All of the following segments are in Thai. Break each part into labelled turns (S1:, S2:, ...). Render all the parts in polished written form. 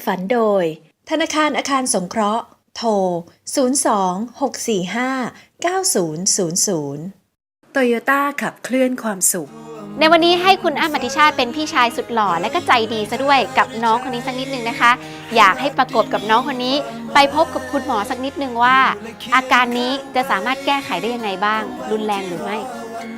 S1: ฝันโดยธนาคารอาคารสงเคราะห์โทร 02-645-9000 โตโยต้าขับเคลื่อนความสุข
S2: ในวันนี้ให้คุณอ้ำอธิชาติเป็นพี่ชายสุดหล่อและก็ใจดีซะด้วยกับน้องคนนี้สักนิดนึงนะคะอยากให้ประกบกับน้องคนนี้ไปพบกับคุณหมอสักนิดนึงว่าอาการนี้จะสามารถแก้ไขได้ยังไงบ้างรุนแรงหรือไม่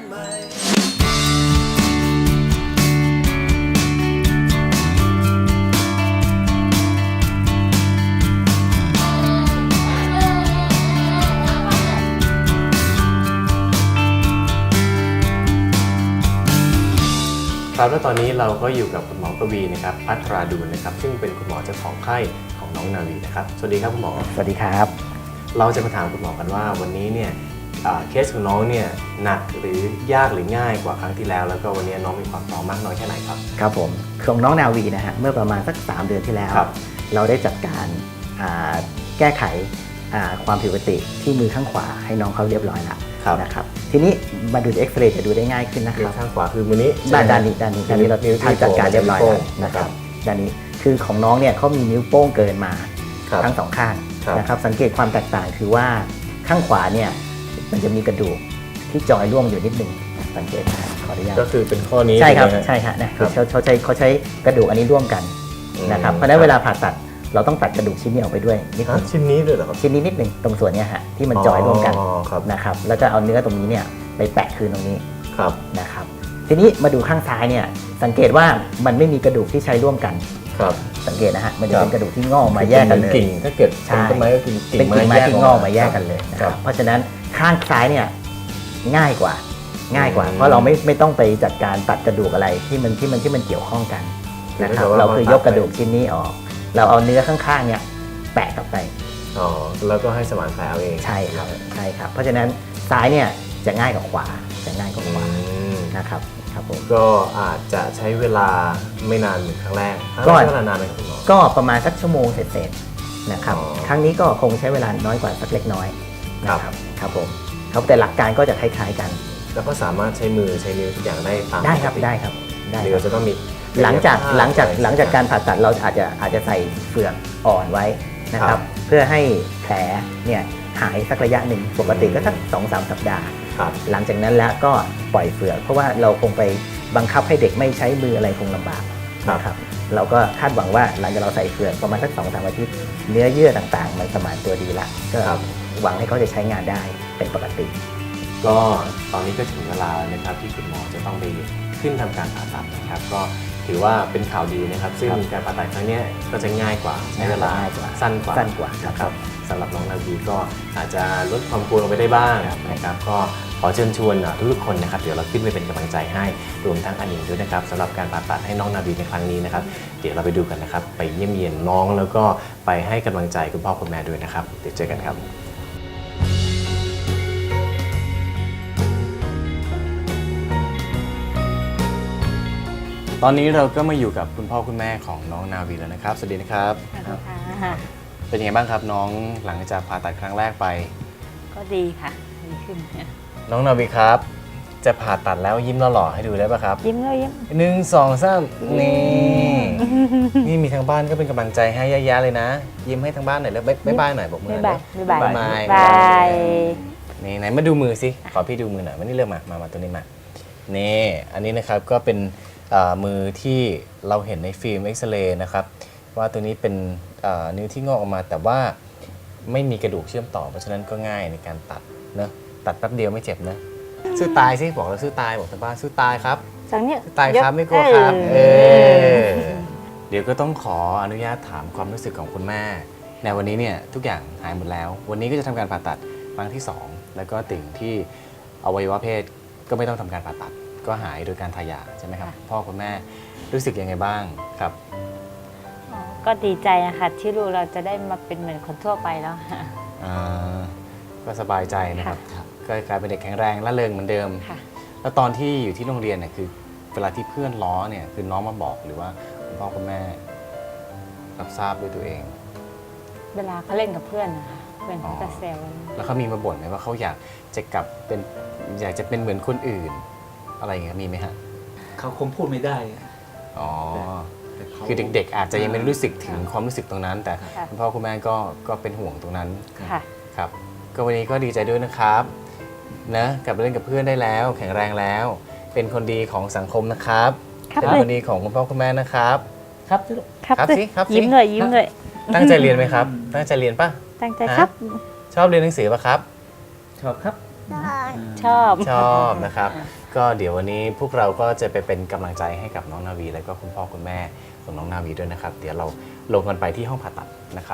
S3: ครับและตอนนี้เราก็อยู่กับคุณหมอกวีนะครับพัทราดูลนะครับซึ่งเป็นคุณหมอเจ้าของไข้ของน้องนาวีนะครับสวัสดีครับคุณหมอ
S4: สวัสดีครับ
S3: เราจะมาถามคุณหมอกันว่าวันนี้เนี่ยเคสของน้องเนี่ยหนักหรือยากหรือง่ายกว่าครั้งที่แล้วแล้วก็วันนี้น้องมีความพร้อมมากน้อยแค่ไหนครับ
S4: ครับผมของน้องนาวีนะฮะเมื่อประมาณสัก3 เดือนที่แล้วเราได้จัดการแก้ไขความผิดปกติที่มือข้างขวาให้น้องเขาเรียบร้อยแล้วนะครับทีนี้มาดูเอ็กซเรย์จะดูได้ง่ายขึ้นนะครับ
S3: ข้างขวาคือมือนี้
S4: ด้านนี้เราทำจัดการเรียบร้อยแล้วนะครับด้านนี้คือของน้องเนี่ยเขามีนิ้วโป้งเกินมาทั้ง2 ข้างนะครับสังเกตความแตกต่างคือว่าข้างขวาเนี่ยมันจะมีกระดูกที่จอยร่วงอยู่นิดนึงสังเกตนะขออนุญาต
S3: ก็คือเป็นข้อนี้
S4: ใช่ครับใช่ครับนะเขาใช้กระดูกอันนี้ร่วมกันนะครับเพราะฉะนั้นเวลาผ่าตัดเราต้องตัดกระดูกชิ้นนี้ออกไปด้วยนิดนึง
S3: ชิ้นนี้ด้วยเหรอครับ
S4: ชิ้นนี้นิดนึงตรงส่วนนี้ฮะที่มันจอยร่วมกันนะครับแล้วก็เอาเนื้อตรงนี้เนี่ยไปแปะคืนตรงนี้นะครับทีนี้มาดูข้างซ้ายเนี่ยสังเกตว่ามันไม่มีกระดูกที่ใช้ร่วมกันสังเกตนะฮะมันจะเป็นกระดูกที่งอกมาแยกกันเลย
S3: กิ่งถ้าเกิดเป็นต้นไม้ก็คือ
S4: เป็นกิ่งไม้ที่งอกมาแยกกันเลยนะครับเพราะฉะนั้นข้างซ้ายเนี่ยง่ายกว่าเพราะเราไม่ต้องไปจัดการตัดกระดูกอะไรที่มันเกี่ยวข้องกันนะครับเราคือยกกระดูกชิ้นนี้ออกเราเอาเนื้อข้างๆเนี่ยแปะกลับไป
S3: แล้วก็ให้สมานแผลเอาเอง
S4: ใช่ครับเพราะฉะนั้นซ้ายเนี่ยจะง่ายกว่าขวานะครับผม
S3: ก็อาจจะใช้เวลาไม่นานเหมือนครั้งแรก
S4: ก็
S3: เวลานานไหมครับคุณหมอ
S4: ก็ประมาณสักชั่วโมงเศษๆนะครับครั้งนี้ก็คงใช้เวลาน้อยกว่าสักเล็กน้อยนะครับผมแต่หลักการก็จะคล้ายๆกัน
S3: แล้วก็สามารถใช้มือใช้นิ้วทุกอย่างได้ตาม
S4: ได้ครับ
S3: หรือจะต้องมี
S4: หลังจากการผ่าตัดเราอาจจะใส่เฟือกอ่อนไว้นะครับเพื่อให้แผลเนี่ยหายสักระยะหนึ่งปกติก็สัก 2-3 สัปดาห์หลังจากนั้นแล้วก็ปล่อยเฟือกเพราะว่าเราคงไปบังคับให้เด็กไม่ใช้มืออะไรคงลำบากนะครับเราก็คาดหวังว่าหลังจากเราใส่เฟือกประมาณสัก 2-3 อาทิตย์เนื้อเยื่อต่างๆมันสมานตัวดีละก็หวังให้เขาจะใช้งานได้เป็นปกติ
S3: ก็ตอนนี้ก็ถึงเวลาแล้วนะครับที่คุณหมอจะต้องไปขึ้นทำการผ่าตัดนะครับก็ถือว่าเป็นข่าวดีนะครับซึ่งการผ่าตัดครั้งนี้ก็จะง่ายกว่าใช้เวลาสั้นกว่านะครับสำหรับน้องนาวีก็อาจจะลดความกลัวลงไปได้บ้างนะครับก็ขอเชิญชวนทุกคนนะครับเดี๋ยวเราขึ้นไปเป็นกำลังใจให้รวมทั้งอันหญิงด้วยนะครับสำหรับการผ่าตัดให้น้องนาวีในครั้งนี้นะครับเดี๋ยวเราไปดูกันนะครับไปเยี่ยมเยียนน้องแล้วก็ไปให้กำลังใจคุณพ่อคุณแม่ด้วยนะครับเดี๋ยวเจอกันครับตอนนี้เราก็มาอยู่กับคุณพ่อคุณแม่ของน้องนาวีแล้วนะครับสวัสดีนะครับเป็นยังไงบ้างครับน้องหลังจากผ่าตัดครั้งแรกไป
S5: ก็ดีค่ะดีขึ้น
S3: น้องนาวีครับจะผ่าตัดแล้วยิ้มหล่อๆให้ดูได้ป่ะครับ
S5: ยิ้มเลยยิ้
S3: ม1 2 3นี่มีทางบ้านก็เป็นกำลังใจให้เยอะแยะเลยนะยิ้มให้ทางบ้านหน่อยแล้วบ๊ายบายหน่อยบอกมือ
S5: บ๊ายบาย
S3: นี่ไหนมาดูมือสิขอพี่ดูมือหน่อยมานี่เริ่มมาตัวนี้มานี่อันนี้นะครับก็เป็นมือที่เราเห็นในฟิล์มเอ็กซเรย์นะครับว่าตัวนี้เป็นนิ้วที่งอกออกมาแต่ว่าไม่มีกระดูกเชื่อมต่อเพราะฉะนั้นก็ง่ายในการตัดนะตัดแป๊บเดียวไม่เจ็บนะสู้ตายสิบอกเราสู้ตายบอกทางบ้านสู้ตายครับตายครับไม่กลัวครับเดี๋ยวก็ต้องขออนุญาตถามความรู้สึกของคุณแม่ในวันนี้เนี่ยทุกอย่างหายหมดแล้ววันนี้ก็จะทำการผ่าตัดครั้งที่2แล้วก็ติ่งที่อวัยวะเพศก็ไม่ต้องทำการผ่าตัดก็หายโดยการทายาใช่ไหมครับพ่อคุณแม่รู้สึกยังไงบ้างครับ
S5: ก็ดีใจนะคะที่ลูกเราจะได้มาเป็นเหมือนคนทั่วไปแล้ว
S3: ก็สบายใจนะครับก็กลายเป็นเด็กแข็งแรงและเริงเหมือนเดิมแล้วตอนที่อยู่ที่โรงเรียนเนี่ยคือเวลาที่เพื่อนล้อเนี่ยคือน้องมาบอกหรือว่าคุณพ่อคุณแม่รับทราบด้วยตัวเอง
S5: เวลาเขาเล่นกับเพื่อนนะคะเพื่อนเขาจะแซว
S3: แล้วเขามีมาบ่นไหมว่าเขาอยากจะกลับเป็นอยากจะเป็นเหมือนคนอื่นอะไรอย่างเงี้ยมีไหมฮะ
S6: เขาคงพูดไม่ได้
S3: อ๋อคือเด็กๆ อาจจะยังไม่รู้สึกถึงความรู้สึกตรงนั้น แต่
S5: ค่ะ
S3: คุณพ่อคุณแม่ก็เป็นห่วงตรงนั้น
S5: ค่ะ
S3: ครับก็วันนี้ก็ดีใจด้วยนะครับนะกลับไปเล่นกับเพื่อนได้แล้ว แข็งแรงแล้ว เป็นคนดีของสังคมนะครับ
S5: ครับ
S3: เป็นคนดีของคุณพ่อคุณแม่นะครับ
S4: ครับลูก
S3: ครับสิครับสิ
S5: ยิ้มเลยยิ้มเลย
S3: ตั้งใจเรียนไหมครับ ตั้งใจเรียนป่ะ
S5: ตั้งใจครับ
S3: ชอบเรียนหนังสือป่ะครับ
S4: ชอบครับ
S5: ชอบ
S3: ชอบนะครับ ก็เดี๋ยววันนี้พวกเราก็จะไปเป็นกำลังใจให้กับน้องนาวี และก็คุณพ่อคุณแม่ของน้องนาวีด้วยนะครับ เดี๋ยวเราลงกันไปที่ห้องผ่าตัดนะครับ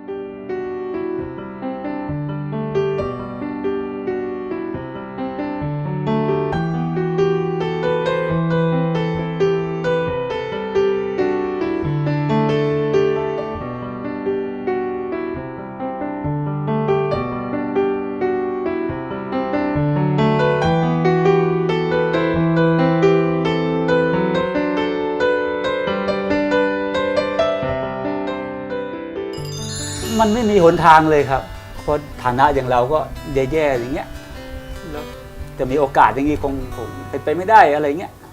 S6: มันไม่มีหนทางเลยครับ เพราะฐานะอย่างเราก็แย่ๆอย่างเงี้ยแล้วจะมีโอกาสอย่างนี้คงเป็นไปไม่ได้อะไรเงี้ย